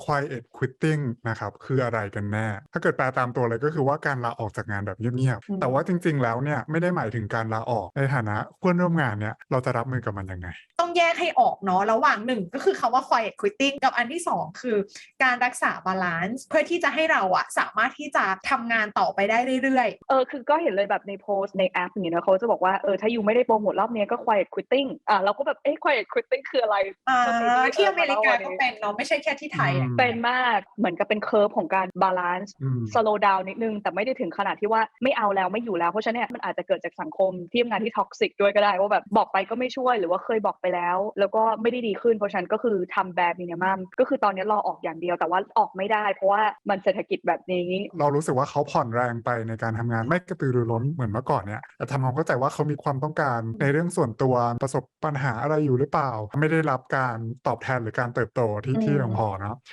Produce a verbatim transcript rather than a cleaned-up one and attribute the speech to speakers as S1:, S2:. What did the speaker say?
S1: quiet quitting นะครับคืออะไรกันแน่ถ้าเกิดแปลตามตัวเลยก็คือว่าการลาออกจากงานแบบเงียบ
S2: อื
S1: ๆแต่ว่าจ
S2: ม
S1: ริงๆแล้วเนี่ยไม่ได้หมายถึงการลาออกในฐานะเพื่อนร่วมงานเนี่ยเราจะรับมือกับมันยังไง
S2: ต้องแยกให้ออกเนาะระหว่างหนึ่งก็คือคำว่า quiet quitting กับอันที่สองคือการรักษาบาลานซ์เพื่อที่จะให้เราอะสามารถที่จะทำงานต่อไปได้เรื่อย
S3: เออคือก็เห็นเลยแบบในโพสต์ในแอปอย่างเงี้ยนะเขาจะบอกว่าเออถ้ายูไม่ได้โปรโมทรอบนี้ก็ quiet quitting อ่ะเราก็แบบเอ๊ะ quiet quitting คืออะไร
S2: ๆอ่า
S3: ก็มี
S2: ที่อเมริกา
S3: วัน
S2: ก็
S3: นี้
S2: เป็นเนาะไม่ใช่แค่ที่ไทยอะ
S3: เป็นมากเหมือนกับเป็นเคอร์ฟของการบาลานซ์
S1: อืม
S3: slow down นิดนึงแต่ไม่ได้ถึงขนาดที่ว่าไม่เอาแล้วไม่อยู่แล้วเพราะฉะนั้นเนี่ยมันอาจจะเกิดจากสังคมที่ทำงานที่ท็อกซิกด้วยก็ได้ว่าแบบบอกไปก็ไม่ช่วยหรือว่าเคยบอกไปแล้วแล้วก็ไม่ได้ดีขึ้นเพราะฉะนั้นก็คือทำแบบมินิมัมก็คือตอนนี้รอออกอย่างเดียวแต่ว่าออกไม่ได้เพราะว่ามันเศรษฐกิจแบบนี้
S1: เรารู้สึกว่าเขาผ่อนแรงไปในการทำงานไม่กระตือรือร้นเหมือนเมื่อก่อนเนี่ยแต่ทำความเข้าใจว่าเขามีความต้องการในเรื่องส่วนตัวประสบปัญหาอะไรอยู่หรือเปล่าไม่ได้รับการตอบแทนหรือการเติบโตที่
S2: อื
S1: ที่
S2: ม
S1: เพียงพอเนาะ